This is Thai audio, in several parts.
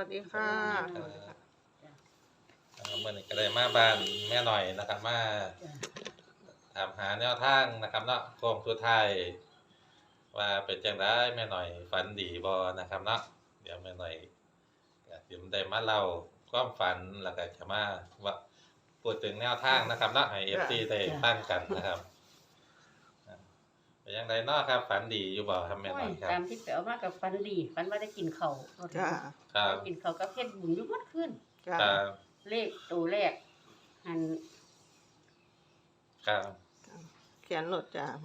ดีค่ะเมื่อนี้ก็ได้มาบ้านแม่หน่อยนะครับมาถามหาแนวทางนะครับเนาะโค้งสุดท้ายว่าเป็นจังได๋แม่หน่อยฝันดีบ่นะครับเนาะเดี๋ยวแม่หน่อยก็สิได้มาเล่าความฝันแล้วก็จะมาว่าพูดถึงแนวทางนะครับเนาะให้ FC ได้ฟังกันนะครับเป็นจังไดเนาะครับฝันดีอยู่บ่ครับแม่หน่อยครับตามที่ไปเอามากับฝันดีฝันว่าได้กินข้าวจ้าครับกินข้าวกับเฮ็ดบุญอยู่หมดคืนจ้าครับเลขตัวแรกหันครับเขียนรถจ้า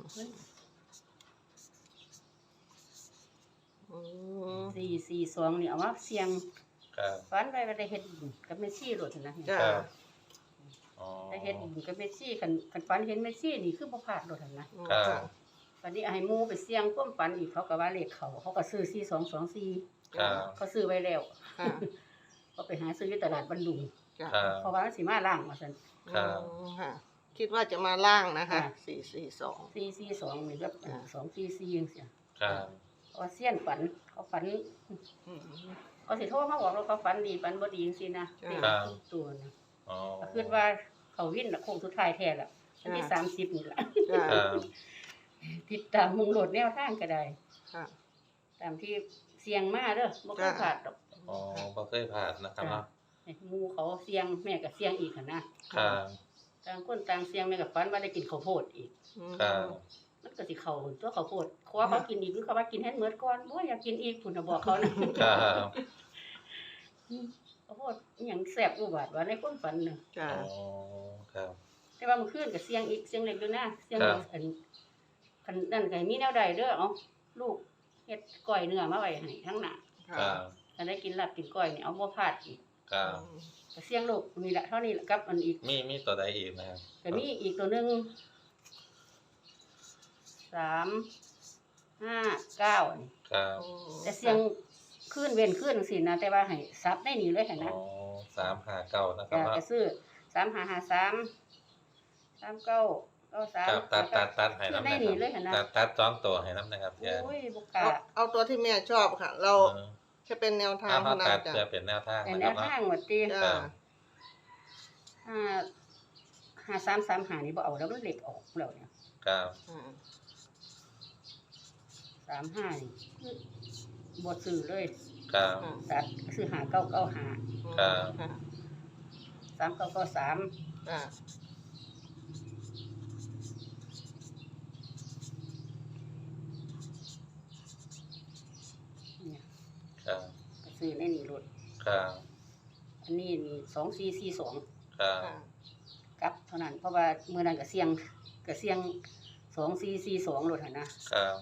อืม 442นี่เอามาเสี่ยงครับฝันไว้ว่าได้เฮ็ดบุญกับแม่ชีรถนะจ้าครับอ๋อได้เฮ็ดบุญกับแม่ชีคันฝันเห็นแม่ชีนี่คือบ่พลาดรถนะครับวันนี้ให้หมู่ไปเสี่ยงความฝันอีกเขาก็ว่าเลขเขาก็ซื้อ4224 ครับเขาซื้อไว้แล้วค่ะก็ไปหาซื้ออยู่ตลาดบันดุงจ้าครับเพราะว่ามันสิมาล่างว่าซั่นครับค่ะ คิดว่าจะมาล่างนะคะค่ะ 442 442นี่แบบ244จังซี่ครับเพราะว่าเสี้ยนฝันเขาฝันอืมเขาสิโทรมาบอกเราเขาฝันดีฝันบ่ดีจังซี่นะครับเป็นทุกตัวนะอ๋อก็คิดว่าเขาวินน่ะโค้งสุดท้ายแท้ละวันที่จ้ะ 30นี่ล่ะจ้าครับติดตามมุงโหลดแนวทางก็ได้ค่ะตามที่เสียงมาเด้อบ่เคยจ้ะพลาดดอกอ๋อบ่เคยผ่านนะครับเนาะให้หมู่เขาเสียงแม่ก็เสียงอีกหั่นนะครับ ต่างคนต่างเสียงแม่ก็ฝันว่าได้กินข้าวโพดอีกครับมันก็สิเข้าตัวข้าวโพดขอเขากินอีกหรือเขาว่ากินให้หมดก่อนบ่อยากกินอีกพุ่นน่ะบอกเขานะครับข้าวโพดอิหยังแซ่บอุบาทว่าในความฝันน่ะจ้าอ๋อครับแต่ว่าเมื่อคืนก็เสียงอีกเสียงเล็กด้วยนะเสียงครับอันนั่นก็ให้มีแนวใดเด้อเอาลูกเฮ็ดก้อยเนื้อมาไว้ให้ทั้งหน้าค่ะครับถ้าได้กินลาบกินก้อยนี่เอาบ่พลาดอีกครับก็เสียงลูกนี่แหละเท่านี้แหละกับอันอีกมีตัวใดอีกนะครับก็มีอีกตัวหนึง359นี่ครับแต่เสียงคืนเว้นคืนจังซี่นะแต่ว่าให้ซับได้นี่เลยหั่นอ๋นะอ359นะครับจ้ะเนาะก็ซื้อ3553 3993 ครับตัดให้น้ำได้นะนี่คเลรัยหั่นนะตัด2ตัวให้น้ำนะครับแกโอ้ยบ่กล้าเอาตัวที่แม่ชอบค่ะ เราเออแค่เป็นแนวทางเอาเท่านั้ตันดจ้ะเพื่อเป็นแนวทางแต่นะแนครับวเนาะทางว่าติจ้า 5335นี่บ่เอาแล้วมันเล็กออกแล้วเนี่ยครับ 35นี่คือบ่ซื้อเลยครับตัดซื้อ5995 ครับค่ะ 3993 จ้าเนี่ยครับก็ซื้อในนี่รถครับอันนี้นี่2442 ครับค่ะกลับเท่านั้นเพราะว่ามื้อนั้นก็เสี่ยง2442รถหั่นนะครับ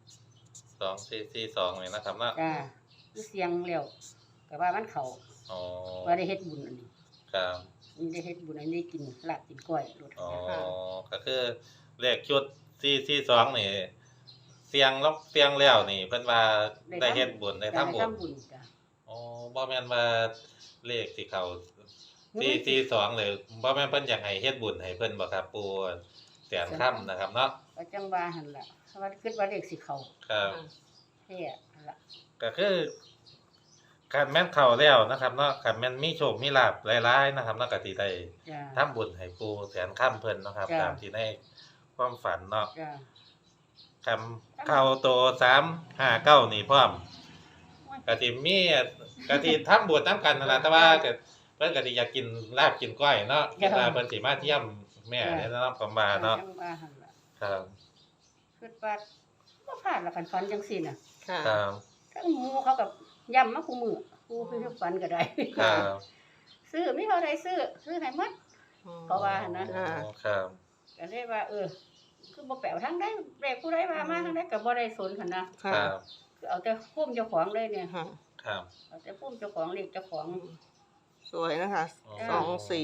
2442นี่นะครับเนาะจ้าคือเสี่ยงแล้วก็ว่ามันเข้าอ๋อว่าได้เฮ็ดบุญอันนี้ครับนี่ได้เฮ็ดบุญอันนี้กินลาบกินก้อยรถอ๋อก็คือเลขชุด442นี่เสียงแล้วนี่เพิ่นว่าได้เฮ็ดบุญได้ทำบุญทำบุญจ้ะอ๋อบ่แม่นว่าเลขที่เขา442เลยบ่แม่นเพิ่นอยากให้เฮ็ดบุญให้เพิ่นบ่ครับปู่แสนค่ำนะครับเนาะก็จังว่าหั่นล่ะเพราะว่าคิดว่าเลขสิเข้าครับแท้นั่นล่ะก็คือคันแม่นเข้าแล้วนะครับเนาะคันแม่นมีโชคมีลาภหลายๆนะครับเนาะก็สิได้จ้าทำบุญให้ปู่แสนค่ำเพิ่นเนาะครับจ้ะตามที่ในความฝันเนาะจ้าคำเข้าโต359นี่พร้อมก็สิมีก็สิทำบุญนํกันนั่นล่ะแต่ว่าก็เพิ่นก็สิอยากกินลาบกินก้อยเนาะเวลาเพิ่นสิมาเที่ยมแม่เนี่ยเนาะผมว่าเนาะจังว่าหั่นล่ะครับคิดว่าบ่พลาดละคันฝันจังซี่น่ะค่ะครับทั้งหมู่เขาก็ย้ำมาคู่มื้อคู่คือฝันก็ได้ครับซื้อมีเท่าใดซื้อให้หมด เพราะว่านะจ้าครับก็เลยว่าคือบ่แปลวทางใดเลขผู้ใดว่ามาทางใดก็บ่ได้สนหั่นนะคค่ะรับคือเอาแต่ภูมิเจ้าของเลยเนี่ยค่ะครับเอาแต่ภูมิเจ้าของเลขเจ้าของสวยนะคะอ๋อ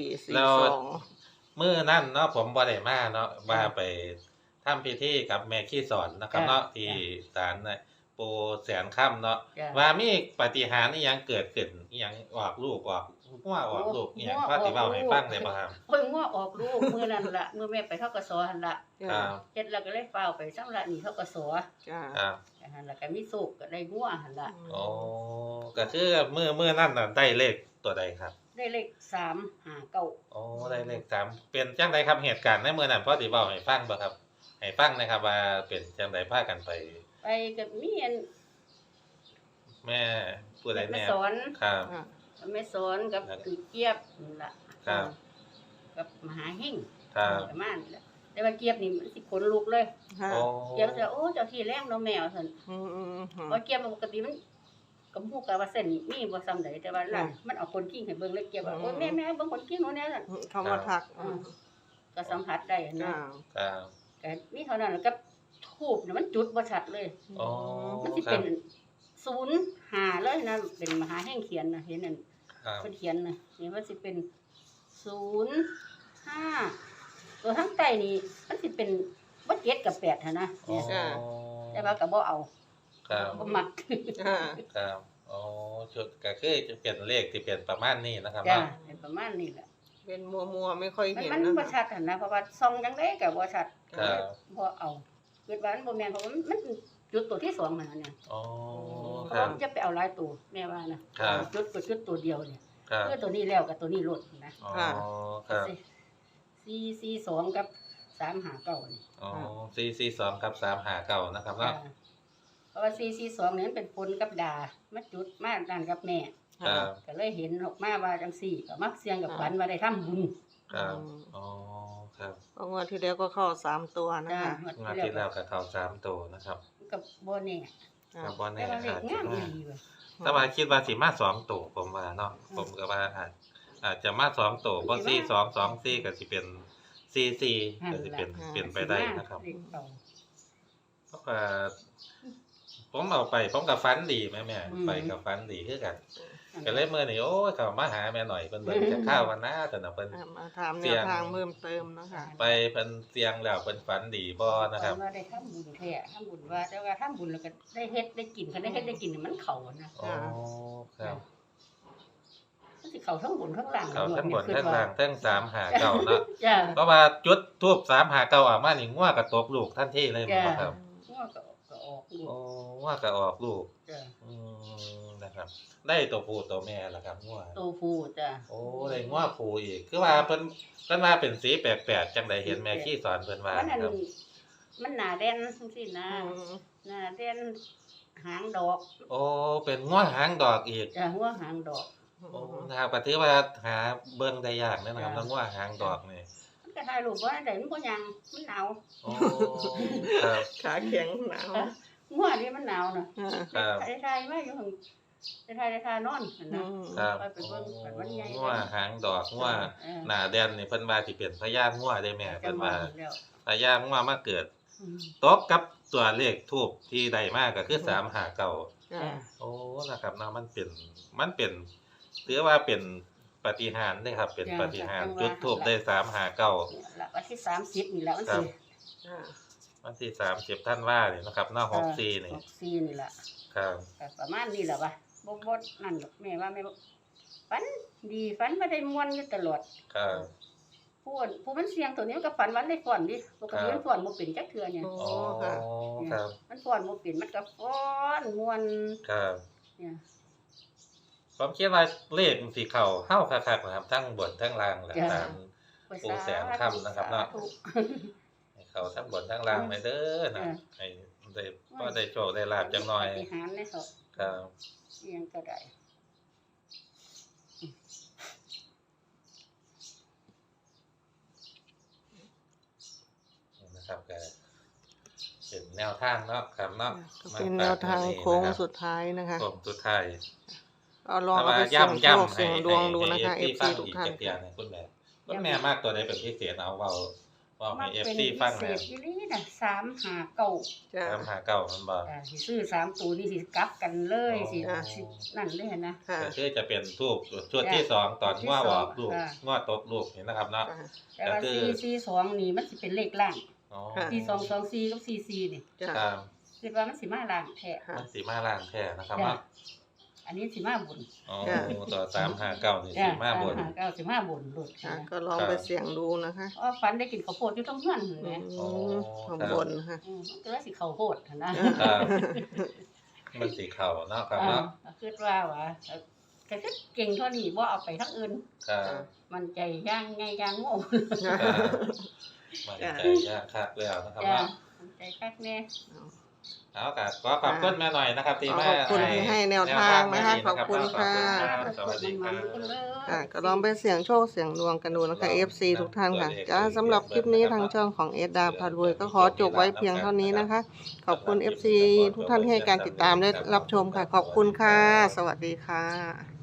2442 มื้อนั้นเนาะผมบ่ได้มาเนาะว่าไปทำพิธีกับแม่ขี้สอนนะครับเนาะที่ศาลน่ะปู่แสนค่ำเนาะจ้ะว่ามีปาฏิหาริย์อีหยังเกิดขึ้นอีหยังออกลูกออกงัวออกลูกอีหยังพาสิเว้าให้ฟังได้บ่ครับโอ้ยงัวออกลูกมื้อนั้นล่ะมื้อแม่ไปธกสหั่นล่ะครับเฮ็ดแล้วก็เลยฟ้าวไปสำระหนี้ธกสจ้าครับหั่นล่ะก็มีโชคก็ได้งัวหั่นล่ะอ๋อก็คือมื้อนั้นน่ะได้เลขตัวใดครับได้เลข359 อ๋อได้เลข3เป็นจังไดครับเหตุการณ์ในมื้อนั้นพอสิเว้าให้ฟังบ่ครับให้ฟังหนะครับว่าเป็นจังไดพากันไปไปกับมีอันแม่ผู้ใดแม่แม่สอนครับค่ะแม่สอนกับคือเกียบนั่นล่ะครับกับมหาเฮงครับประมาณนี้ล่ะแต่ว่าเกียบนี่มันสิขนลุกเลยค่ะโอ้เกียบจะโอ้เจ้าที่แรงเนาะแมวซั่นอืมอืมอืมเพราะเกียบมันปกติมันก็ฮู้กันว่าเส้นมีบ่ซ้ำใดแต่ว่าล่ะมันเอาคนกิ้งให้เบิ่งแล้วเกียบว่าโอ้ยแม่เบิ่งคนกิ้งหนูแน่ซั่นเขามาทักก็สัมผัสได้จ้านะครับ ก็มีเท่านั้นแล้วก็ทูบเนี่ยมันจุดบ่ชัดเลยอ๋อมันสิครัเป็บน05เลยนะเป็นมหาแห่งเขียนนะเห็นนั่นครับเพิ่นเขียนนะนี่มันสิเป็น05ตัวทั้งใต้นี่มันสิเป็นบ่7กับ8หั่นนะอ๋อเนี่ยแต่ว่าก็บ่เอาครับบ่มักจ้าครับอ๋อชุดก็คือจะเป็นเลขที่เป็นประมาณนี้นะครับจ้าเนาะเป็นประมาณนี้แหละเป็นมัวไม่ค่อยมันเห็นมันนะบ่ชัดหั่นนะเพราะว่าส่องจังได๋ก็บ่ชัดครับบ่เอาคิดว่ามันบ่แม่นเพราะว่ามันจุดตัวที่2นั่นน่ะอ๋อเพคราะรัว่าบมันจะไปเอาหลายตัวแม่ว่านะครับ จุดก็จุดตัวเดียวเนี่ยครับคือตัวนี้แล้วกับตัวนี้ลดนะอ๋อครับ 442กับ359นี่อ๋อ442กับ359นะครับเนาะเพราะว่า442นี่มันเป็นปนกับดามาจุดมานั่นกับแม่ครับก็เลยเห็นออกมาว่าจังซี่ก็มักเสียงกับฝันว่าได้ทำบุญครับอ๋อครับเพราะงวดที่แล้วก็เข้า3 ตัวนะจ้าคะงวดที่แล้วก็เข้า3ตัวนะครับกับบ่แน่ครับบ่แต่แน่ว่าเลอาขจจะงามมาดีเว้ยแต่ว่าคิดว่าสิมา2ตัวผมว่าเนาะผมก็ว่าอาจจะมา2ตัวบ่4224ก็สิเป็น44ก็สิเป็นไปได้นะครับเลขเก่าเพราะว่าผมเอาไปผมกับฟันดีแม่อืมไปกับฟันดีคือกันก็เลยมื้อนี้โอ้ยเขามาหาแม่หน่อยเพิ่นเบิ่งจะข้าวกันนะแต่น่ะเพิ่นมาถามแนวทางเพิ่มเติมนะคะไปเพิ่นเสียงแล้วเพิ่นฝันดีบ่นะครับว่าได้ทำบุญแท้ทำบุญว่าแต่ว่าทำบุญแล้วก็ได้เฮ็ดได้กินคันได้เฮ็ดได้กินนี่มันเข้านะอ๋อครับมันสิเข้าทั้งบุญทั้งล่างเขาทั้งบนคิดทั้งว่ล่างทั้ง3หาเก่าเนาะจ้าเพราะว่าจุดทูบ3หาเก่าออกมานี่งัวก็ตกลูกทันทีเลยบ่ครับงัวก็ออกลูกโอ้งัวก็ออกลูกจ้านะครับ ได้ตัวผู้ตัวแม่ล่ะครับงัวโตผู้จ้าโอ้ได้งัวผู้อีกคือว่าเพิ่นว่าเป็นสีแปลกๆจังไดเห็นแม่ขี้สอนเพิ่นว่ามันอันครับมันหน้าแด่นจังซี่นะหน้าแด่นหางดอกโอ้เป็นงัวหางดอกอีกจ้าหัวหางดอกโอ้นะครับก็ถือว่าหาเบิ่งได้ยากนะครับแล้วงัวหางดอกนี่มันก็ถ่ายรูปบ่ได้มันบ่ยังมันหนาวโอ้ครับขาแข็งหนาวงัวนี่มันหนาวน่ะครับถ่ายมาอยู่หั่นได้ถ่ายนอนหั่นอืนะมครับไปเป็นเบิ่งกันวันใหญ่งัวหางดอกงัวหน้าแดนนี่เพิ่นว่าสิเป็นพญางัวได้แม่เพิ่นว่าแล้วพญางัวมาเกิดอืมตบกับตัวเลขทูบที่ได้มาก็คือ359 จ้าโอ้นะครับเนาะมันเป็นถือว่าเป็นปาฏิหาริย์เด้ครับ เป็นปาฏิหาริย์จุดทูบได้359 เนี่ยละวันที่30นี่แหละวันครับที่จ้าวันที่30ธันวานี่นะครับเนาะ64นี่ 64นี่แหละครับก็ประมาณนี้แหละวะบ่นั่นดอกแม่ว่าแม่บ่ฝันดีฝันบ่ได้ม่วนอยู่ตลอดครับผู้มันเสียงตัวนี้มันก็ฝันวันได้ฟ้อนดิปกติมันฟ้อนบ่เป็นจักเทื่อเนี่ยโอ้อ๋อค่ะครับมันฟ้อนบ่เป็นมันก็ฟ้อนม่วนครับเนี่ยผมคิดว่าเลขมันสิเข้าเฮาคักๆนะครับทั้งบนทั้งล่างแหละตาม ปู่แสนค่ำนะครับเนาะสธุให้เข้าทั้งบนทั้งล่างไปเด้อนะให้ได้พอได้โชคได้ลาบจังหน่อยปฏิหารในเขาครับอิหยังก็ได้นะครับก็เป็นแนวทางเนาะครับเนาะก็เป็นแนวทางโค้งสุดท้ายนะคะโค้งสุดท้ายเอาลองแต่เอาว่าไปเสี่ยงโชคย่ำเสี่ยงดวงดูนะคะให้ FC ทุกท่านเกียรติคุณแม่คุณแม่มากตัวใดเป็นพิเศษเอาเว้าให้ FC ฟังเศนะษอีหลีน่ะ359 จ้า 359มันบ่สิซื้อ3ตัวนี่สิกลับกันเลยสิอ๋อสินั่นเลยนะค่ะก็คือจะเป็นทูบชุดที่สองตอนง้อออกลูกค่ะง้อตกลูกเห็นนะครับเนาะแต่ว่าก็คือ 442นี่มันสิเป็นเลขล่างอ๋อค่ะ 4224กับ44นี่จ้าครับคิดว่ามันสิมาล่างแท้ค่ะมันสีมาล่างแท้นะครับจ้ะเนาะอันนี้สิมาบุญอ๋อจ้ะตัว359นี่จ้ะสิมาบน 359สิมาบุญหลุดค่ะนะก็ลองไปเสี่ยงดูนะคะอ๋อฝันได้กินข้าวโพดอยู่ตรงเฮือนนั่นแหอืละมข้างบนค่ะมันก็เลยสิข้าวโพดหั่นนะครับมันสีเข่าเนาะครับเนาะคิดว่าก็คือเก่งเท่านี้บ่เอาไปทั้งอื่นครับมันใจย่างไงย่างโง่ครับมันใจยากคักแล้วนะครับจ้ะเนาะมันใจคักแน่เอาครับก็ขอบคุณแม่หน่อยนะครับที่มาขอบคุณที่ให้แนวทางนะคะขอบคุณค่ะสวัสดีครับก็ลองไปเสี่ยงโชคเสี่ยงดวงกันดูนะคะ FC ทุกท่านค่ะจ้าสำหรับคลิปนี้ทางช่องของเอดดาพารวยก็ขอจบไว้เพียงเท่านี้นะคะ ขอบคุณ FC ทุกท่านที่ให้การติดตามและรับชมค่ะ ขอบคุณค่ะ สวัสดีค่ะ